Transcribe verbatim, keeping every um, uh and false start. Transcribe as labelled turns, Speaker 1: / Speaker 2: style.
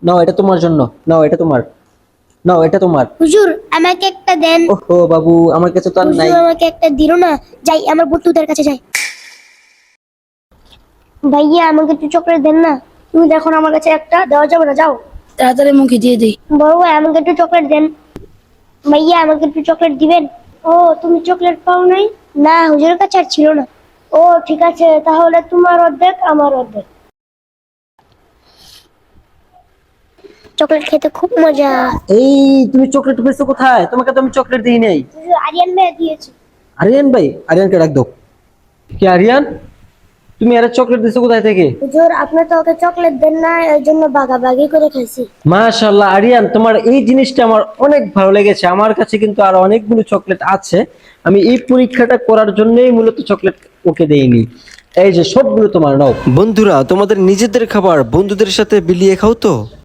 Speaker 1: নাও এটা তোমার জন্য, নাও এটা তোমার, নাও এটা তোমার।
Speaker 2: হুজুর আমাকে একটা দেন।
Speaker 1: ওহো বাবু, আমার কাছে তো আর নাই।
Speaker 2: হুজুর আমাকে একটা দিল না, যাই আমার বন্ধুদের কাছে যাই। ভাইয়া আমাকে একটু চকলেট দেন না। তুমি দেখো না আমার কাছে একটা দেওয়া যাবে না, যাও
Speaker 3: তাড়াতাড়ি মুখে দিয়ে দিই।
Speaker 2: বড় ভাই আমাকে একটু চকলেট দেন। ভাইয়া আমাকে একটু চকলেট দিবেন। ও তুমি চকলেট পাও নাই? না হুজুরের কাছে আর ছিল না। ও ঠিক আছে, তাহলে তোমার অর্ধেক আমার অর্ধেক। চকলেট খেতে খুব মজা।
Speaker 1: এই তুমি চকলেট পেয়েছো কোথায়? তোমাকে তো আমি চকলেট দিই নাই।
Speaker 2: হুজুর আরিয়ান ভাই দিয়েছে।
Speaker 1: আরিয়ান ভাই? আরিয়ানকে ডাক দাও। কি আরিয়ান, তুমি আরে চকলেট দিছো কোথায় থেকে?
Speaker 2: হুজুর আপনি তো ওকে চকলেট দেন না, এর জন্য বাগাবাগি করে খাইছি।
Speaker 1: মাশাআল্লাহ আরিয়ান, তোমার এই জিনিসটা আমার অনেক ভালো লেগেছে। আমার কাছে কিন্তু আরো অনেকগুলো চকলেট আছে, আমি এই পরীক্ষাটা করার জন্যই মূলত চকলেট ওকে দেইনি। এই যে সবগুলো তোমার, নাও। বন্ধুরা, তোমাদের নিজেদের খাবার বন্ধুদের সাথে বিলিয়ে খাও তো।